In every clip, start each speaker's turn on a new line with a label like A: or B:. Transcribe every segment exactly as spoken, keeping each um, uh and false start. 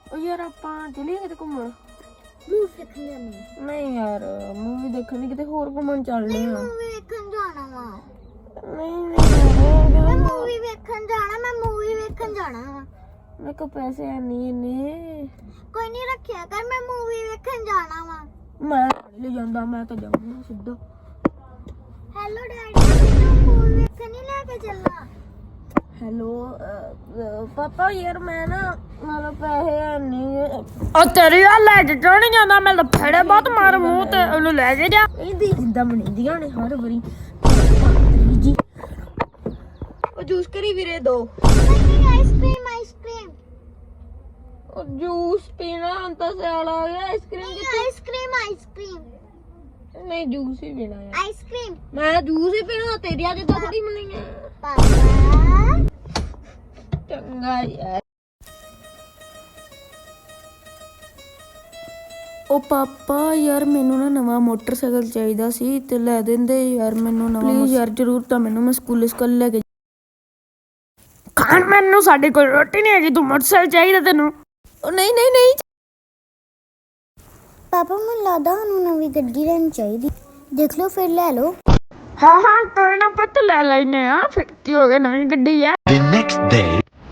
A: यार ਆਪਾਂ ਚਲੀਏ ਕਿਤੇ ਘੁੰਮਣ
B: ਮੂਵੀ ਦੇਖਣ ਜਾਣੀ
A: ਨਹੀਂ ਯਾਰ ਮੂਵੀ ਦੇਖਣ ਕਿਤੇ ਹੋਰ ਘੁੰਮਣ ਚੱਲਦੇ ਆ
B: ਮੂਵੀ ਵੇਖਣ ਜਾਣਾ ਵਾ
A: ਨਹੀਂ ਨਹੀਂ
B: ਮੈਂ ਮੂਵੀ ਵੇਖਣ ਜਾਣਾ ਮੈਂ ਮੂਵੀ ਵੇਖਣ ਜਾਣਾ ਵਾ
A: ਮੇਰੇ ਕੋਲ ਪੈਸੇ ਹੈ ਨਹੀਂ ਇੰਨੇ
B: ਕੋਈ ਨਹੀਂ ਰੱਖਿਆ ਕਰ ਮੈਂ ਮੂਵੀ ਵੇਖਣ ਜਾਣਾ ਵਾ
A: ਮੈਂ ਲੈ ਜਾਂਦਾ ਮੈਂ ਤਾਂ ਜਾਊਂਗਾ ਸਿੱਧਾ
B: ਹੈਲੋ ਡੈਡੀ ਮੈਨੂੰ ਮੂਵੀ ਵੇਖਣ ਨਹੀਂ ਲੈ ਕੇ ਚੱਲਣਾ
A: ਹੈਲੋ ਪਾਪਾ ਯਾਰ ਮੈਂ ਨਾ ਮਤਲਬ ਪੈਸੇ ਹੈ ਨਹੀਂ ਉਹ ਤੇਰੀ ਆ ਲੈ ਕੇ ਕਿਉਂ ਨਹੀਂ ਜਾਂਦਾ ਮੈਂ ਲਫੜੇ ਬਹੁਤ ਮਾਰ ਮੂੰਹ ਤੇ ਉਹਨੂੰ ਲੈ ਕੇ ਜਾ ਇਹਦੀ ਜਿੰਦਾ ਬਣੀਂਦੀਆਂ ਨੇ ਹਰ ਵਾਰੀ ਜੀ ਉਹ ਜੂਸ ਕਰੀ ਵੀਰੇ ਦੋ
B: ਨਹੀਂ ਆਈਸਕ੍ਰੀਮ ਆਈਸਕ੍ਰੀਮ
A: ਉਹ ਜੂਸ ਪੀਣਾ ਹੁਣ ਤਾਂ ਸਿਆਲ ਆ ਗਿਆ ਆਈਸਕ੍ਰੀਮ
B: ਨਹੀਂ ਆਈਸਕ੍ਰੀਮ ਆਈਸਕ੍ਰੀਮ
A: ਨਹੀਂ ਜੂਸ ਹੀ ਪੀਣਾ ਯਾਰ
B: ਆਈਸਕ੍ਰੀਮ
A: ਮੈਂ ਜੂਸ ਹੀ ਪੀਣਾ ਤੇਰੀ ਅੱਜ ਤਾਂ ਥੋੜੀ ਮਿਲਣੀ ਹੈ
B: ਪਾਪਾ
A: ਚੰਗਾ ਯਾਰ ਉਹ ਪਾਪਾ ਯਾਰ ਮੈਨੂੰ ਨਾ ਨਵਾਂ ਮੋਟਰਸਾਈਕਲ ਚਾਹੀਦਾ ਸੀ ਤੇ ਲੈ ਦਿੰਦੇ ਯਾਰ ਮੈਨੂੰ ਨਵਾਂ ਪਲੀਜ਼ ਯਾਰ ਜ਼ਰੂਰ ਤਾਂ ਮੈਨੂੰ ਮੈਂ ਸਕੂਲ ਸਕੂਲ ਲੈ ਕੇ ਖਾਣ ਮੈਨੂੰ ਸਾਡੇ ਕੋਲ ਰੋਟੀ ਨਹੀਂ ਹੈਗੀ ਤੂੰ ਮੋਟਰਸਾਈਕਲ ਚਾਹੀਦਾ ਤੈਨੂੰ ਉਹ ਨਹੀਂ ਨਹੀਂ ਨਹੀਂ
B: ਪਾਪਾ ਮੈਨੂੰ ਲੱਗਦਾ ਸਾਨੂੰ ਨਵੀਂ ਗੱਡੀ ਲੈਣੀ ਚਾਹੀਦੀ ਦੇਖ ਲਓ ਫਿਰ ਲੈ ਲਓ
A: ਹਾਂ ਹਾਂ ਕੋਈ ਨਾ ਪੁੱਤ ਲੈ ਲੈਨੇ ਆ ਫਿਰ ਕੀ ਹੋ ਗਿਆ ਨਵੀਂ ਗੱਡੀ ਆ
C: The next day.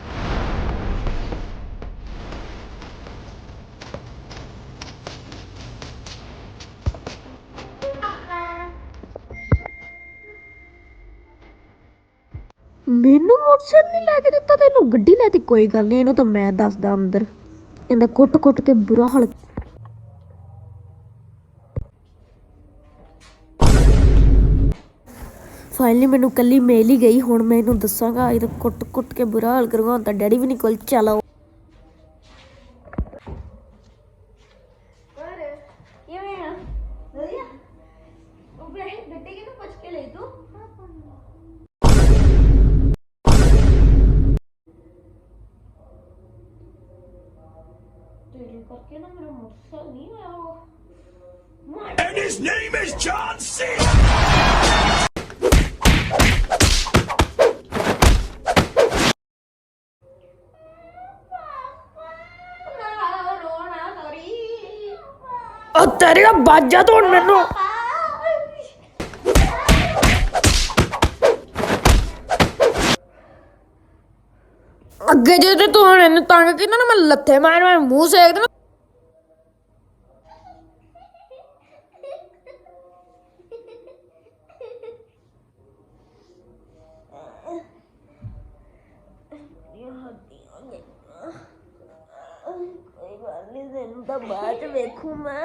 A: ਮੈਨੂੰ ਮੋਟਰਸਾਈਕਲ ਨਹੀਂ ਲੈ ਕੇ ਦਿੱਤਾ ਤੈਨੂੰ ਗੱਡੀ ਲੈ ਤੀ ਕੋਈ ਗੱਲ ਨਹੀਂ ਇਹਨੂੰ ਤਾਂ ਮੈਂ ਦੱਸਦਾ ਅੰਦਰ ਇਹਦਾ ਕੁੱਟ ਕੁੱਟ ਕੇ ਬੁਰਾ ਹਾਲ ਫਾਈਨਲੀ ਮੈਨੂੰ ਕੱਲੀ ਮੇਲ ਹੀ ਗਈ ਹੁਣ ਮੈਂ ਇਹਨੂੰ ਦੱਸਾਂਗਾ ਇਹਦਾ ਕੁੱਟ ਕੁੱਟ ਕੇ ਬੁਰਾ ਹਾਲ ਕਰੂੰਗਾ ਹੁਣ ਤਾਂ ਡੈਡੀ ਵੀ ਨਹੀਂ ਕੋਲ ਚਲਾਓ ਕਿਵੇਂ ਆ ਵਧੀਆ ਉਹ ਵੇ ਗੱਡੀ ਕਿਨੂੰ ਪੁੱਛ ਕੇ ਲਈ ਤੂੰ ਤੇਰੇ ਕਰਕੇ ਨਾ ਮੇਰਾ ਮੋਟਰਸਾਈਕਲ ਨਹੀਂ ਆਇਆ ਉਹ
C: And his name is John C.
A: ਉਹ ਤੇਰੀਆਂ ਬਾਜਾਂ ਤੋਂ ਹੁਣ ਮੈਨੂੰ ਅੱਗੇ ਜੇ ਤੇ ਤੂੰ ਹੁਣ ਇਹਨੂੰ ਤੰਗ ਕੀਤਾ ਨਾ ਮੈਂ ਲੱਥੇ ਮਾਰ ਮਾਰ ਮੂੰਹ ਸੇਕ ਦੇਣਾ ਕੋਈ ਗੱਲ ਨਹੀਂ ਤੈਨੂੰ ਤਾਂ ਬਾਅਦ ਚ ਵੇਖੂ ਮੈਂ